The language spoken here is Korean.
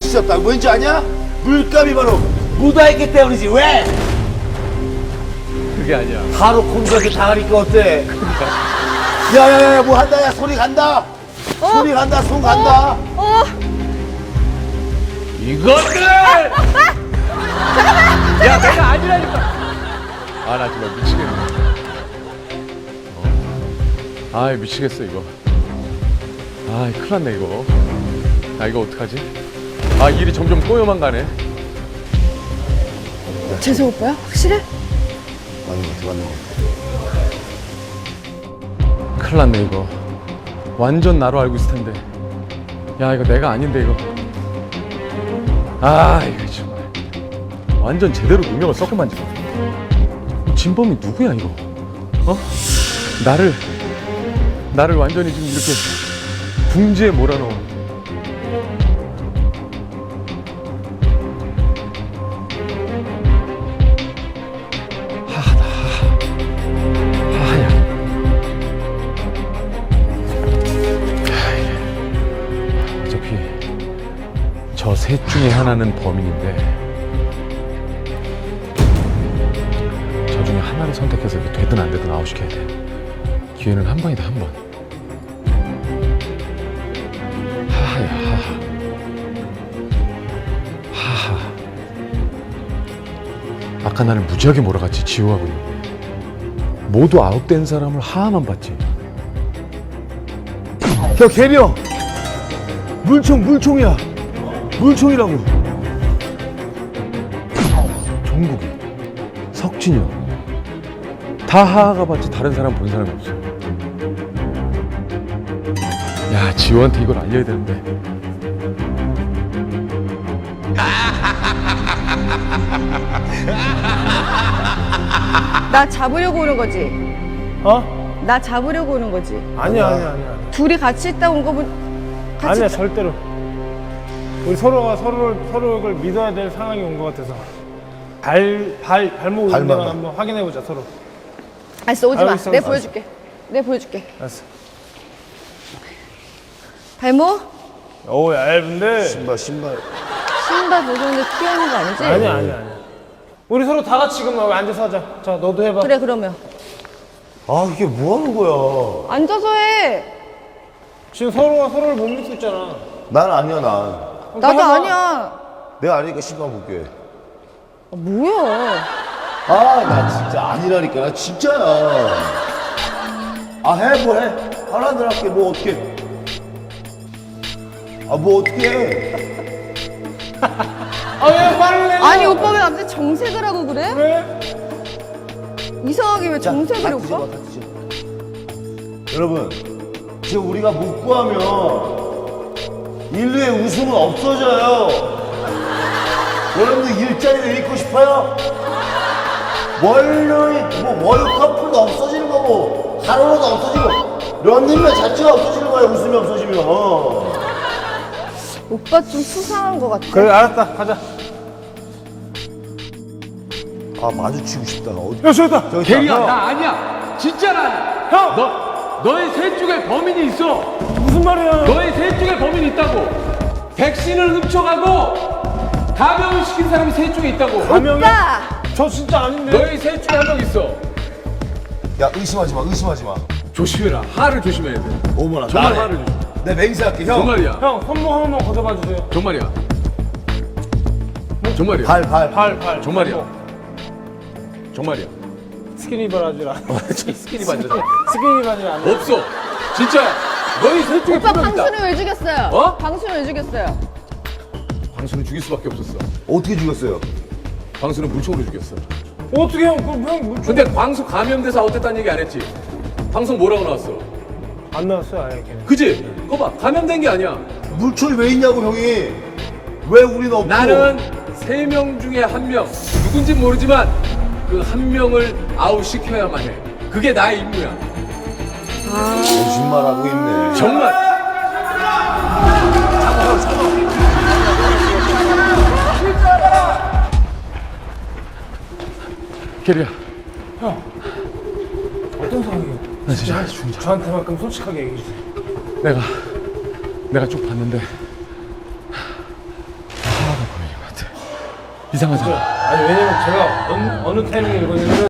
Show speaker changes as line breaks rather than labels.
없다고. 뭔지 아냐? 물감이 바로 묻어있기 때문이지. 왜?
그게 아니야.
바로 콘서트 당하니까 어때? 야야야 뭐 한다. 야 소리 간다. 소리 간다. 손 간다.
이것들! 야, 내가 아니라니까. 아, 나 정말 미치겠네. 아이, 미치겠어, 이거. 아이, 큰일 났네, 이거. 아, 이거 어떡하지? 아, 일이 점점 꼬여만 가네.
재석 오빠야? 확실해?
맞는 거 같아. 맞는 거 같아.
큰일 났네, 이거. 완전 나로 알고 있을 텐데. 야, 이거 내가 아닌데, 이거. 아, 이거 정말. 완전 제대로 누명을 섞고만 지금. 진범이 누구야, 이거? 어? 나를 완전히 지금 이렇게 궁지에 몰아넣은. 하야. 어차피 저 셋 중에 하나는 범인인데 저 중에 하나를 선택해서 이거 되든 안 되든 아웃시켜야 돼. 기회는 한 번이다, 한 번. 하하야, 하하. 하하. 아까 나를 무지하게 몰아갔지, 지호하고 있는데. 모두 아웃된 사람을 하하만 봤지.
야 개명. 물총이야. 물총이라고.
종국이, 석진이 형. 다 하하가 봤지 다른 사람 본 사람이 없어. 야, 지호한테 이걸 알려야 되는데.
나 잡으려고 오는 거지?
어?
나 잡으려고 오는 거지?
아니야.
둘이 같이 있다 온 거면 같이
아니야, 절대로. 우리 서로가 서로를 믿어야 될 상황이 온 것 같아서. 발목
발만
운동을
봐.
한번 확인해보자, 서로.
알았어, 오지 마.
알겠어,
내가
알겠어.
보여줄게. 내가 보여줄게.
알았어.
발목?
오, 얇은데.
신발.
신발 벗었는데 튀어나온 거 아니지?
아니야. 우리 서로 다 같이 지금 여기 앉아서 하자. 자, 너도 해봐.
그래, 그러면.
아 이게 뭐 하는 거야?
앉아서 해.
지금 서로가 서로를 못 믿고 있잖아.
난 아니야 난.
나도 아니야.
내가 아니니까 신발 볼게.
아, 뭐야.
아 나 진짜 아니라니까. 나 진짜야. 아 해 뭐 해. 하라는 대로 할게. 뭐 어떻게. 아 뭐 어떻게 해.
아, 왜 말을 내?
아니, 오빠 왜 갑자기 정색을 하고 그래?
왜?
이상하게 왜 정색을 해,
다
오빠?
뒤집어, 다 뒤집어. 여러분 지금 우리가 묵고하면 인류의 웃음은 없어져요. 여러분들 일자리를 잃고 싶어요? 월커플도 없어지는 거고 하루로도 없어지고 런닝맨 자체가 없어지는 거예요. 웃음이 없어지면.
오빠 좀 수상한 거 같아.
그래, 알았다. 가자.
아 마주치고 싶다. 어디?
야, 저기다.
저기
대리야,
있다.
나 아니야. 진짜 나 아니야.
형!
너의 셋 중에 범인이 있어.
무슨 말이야?
너의 셋 중에 범인이 있다고. 백신을 훔쳐가고 감염을 시킨 사람이 셋 중에 있다고.
오빠!
저 진짜 아닌데.
너희 셋 중에 한 명 있어.
야 의심하지 마. 의심하지 마.
조심해라. 하를 조심해야 돼.
어머나.
정말
나네.
하를 조심.
내 맹세할게 형.
정말이야.
형, 손목 한 번만 걷어봐 주세요.
정말이야. 정말이야.
발.
정말이야. 정말이야.
스키니 바라지라.
스키니 반지다.
스키니 바지라 안 돼.
없어. 진짜. 너희 셋 중에
오빠
분명 있다.
방수는 왜 죽였어요?
어?
방수는 왜 죽였어요?
광수는 죽일 수밖에 없었어.
어떻게 죽였어요?
광수는 물총으로 죽였어.
어떻게 형, 그럼 형 물총
근데 광수 감염돼서 아웃됐다는 얘기 안 했지? 방송 뭐라고 나왔어?
안 나왔어요, 아예 걔는.
그지? 그거 봐. 감염된 게 아니야.
물총이 왜 있냐고 형이. 왜 우리는 없고.
나는 3명 중에 1명. 누군진 모르지만 그 한 명을 아웃시켜야만 해. 그게 나의 임무야.
거짓말하고 있네.
정말. 캐리야.
어떤 상황이에요?
나 진짜 죽자.
저한테만큼 솔직하게 얘기해 주세요.
내가 쭉 봤는데 이상하잖아.
아니 왜냐면 제가 어느 타이밍에 읽었냐면